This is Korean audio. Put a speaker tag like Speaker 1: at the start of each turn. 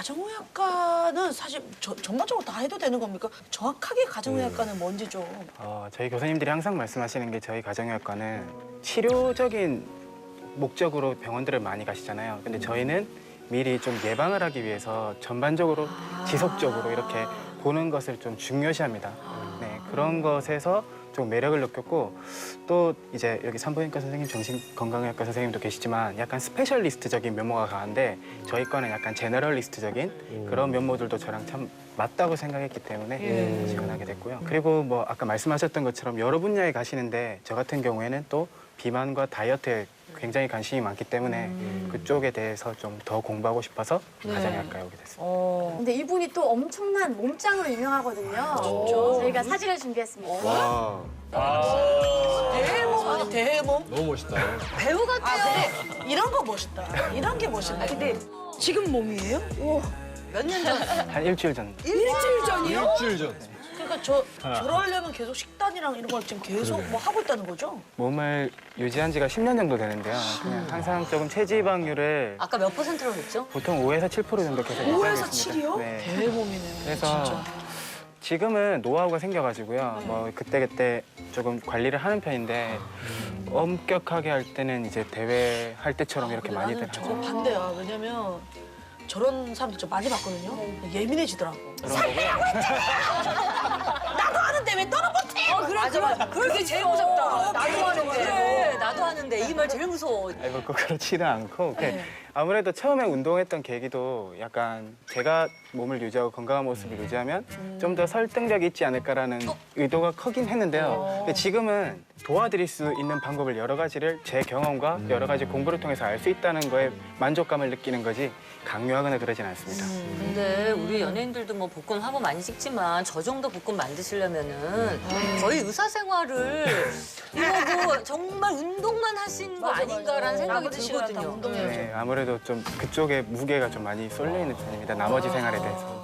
Speaker 1: 가정의학과는 사실 전반적으로 다 해도 되는 겁니까? 정확하게 가정의학과는 뭔지 좀.
Speaker 2: 저희 교수님들이 항상 말씀하시는 게 저희 가정의학과는 치료적인 목적으로 병원들을 많이 가시잖아요. 근데 저희는 미리 좀 예방을 하기 위해서 전반적으로 지속적으로 이렇게 보는 것을 좀 중요시합니다. 네, 그런 것에서 좀 매력을 느꼈고 또 이제 여기 산부인과 선생님, 정신건강의학과 선생님도 계시지만 약간 스페셜리스트적인 면모가 강한데 저희 과는 약간 제너럴리스트적인 그런 면모들도 저랑 참 맞다고 생각했기 때문에 지원하게 됐고요. 그리고 뭐 아까 말씀하셨던 것처럼 여러 분야에 가시는데 저 같은 경우에는 또 비만과 다이어트에 굉장히 관심이 많기 때문에 그쪽에 대해서 좀 더 공부하고 싶어서 가정의학과에 오게 됐습니다.
Speaker 3: 근데 이분이 또 엄청난 몸짱으로 유명하거든요. 저희가 사진을 준비했습니다.
Speaker 4: 와,
Speaker 1: 대해몸 아니 대해몸?
Speaker 4: 너무 멋있다.
Speaker 3: 배우 같아요.
Speaker 1: 그래. 이런 거 멋있다. 이런 게 멋있다. 근데 지금 몸이에요?
Speaker 5: 몇 년 전?
Speaker 2: 한 일주일 전.
Speaker 1: 일주일 전이요?
Speaker 4: 일주일 전.
Speaker 1: 그러니까 저러려면 계속 식단이랑 이런 걸 지금 계속 뭐 하고 있다는 거죠?
Speaker 2: 몸을 유지한 지가 10년 정도 되는데요. 그냥 항상 조금 체지방률을
Speaker 5: 아까 몇 %로 했죠?
Speaker 2: 보통 5에서 7% 정도 계속
Speaker 1: 5에서
Speaker 2: 유지하고
Speaker 1: 7이요?
Speaker 2: 있습니다. 네.
Speaker 1: 대해몸이네요.
Speaker 2: 그래서
Speaker 1: 진짜.
Speaker 2: 지금은 노하우가 생겨가지고요. 뭐 그때그때 조금 관리를 하는 편인데 엄격하게 할 때는 이제 대회 할 때처럼 이렇게
Speaker 1: 근데
Speaker 2: 많이들
Speaker 1: 나는
Speaker 2: 하죠.
Speaker 1: 저거 반대야. 왜냐면 저런 사람들 좀 많이 봤거든요. 예민해지더라고. 나도 하는데 왜 너는 못해?
Speaker 5: 맞아. 그게 제일 무섭다. 나도 하는데. 그래, 나도 하는데. 이 말 제일 무서워.
Speaker 2: 아니 뭐 꼭 그렇지는 않고
Speaker 1: 네.
Speaker 2: 아무래도 처음에 운동했던 계기도 약간 제가 몸을 유지하고 건강한 모습을 유지하면 좀 더 설득력이 있지 않을까라는 의도가 크긴 했는데요. 근데 지금은 도와드릴 수 있는 방법을 여러 가지를 제 경험과 여러 가지 공부를 통해서 알 수 있다는 거에 만족감을 느끼는 거지 강요하거나 그러진 않습니다.
Speaker 5: 근데 우리 연예인들도 뭐 복근 화보 많이 찍지만 저 정도 복근 만드시려면은 거의 의사 생활을 이거 뭐 정말 운동만 하신 거 아닌가라는 생각이
Speaker 1: 나머지 시간 다
Speaker 5: 들거든요.
Speaker 1: 운동해야죠.
Speaker 2: 네, 아무래도 좀 그쪽에 무게가 좀 많이 쏠려 있는 편입니다. 나머지 생활에 대해서.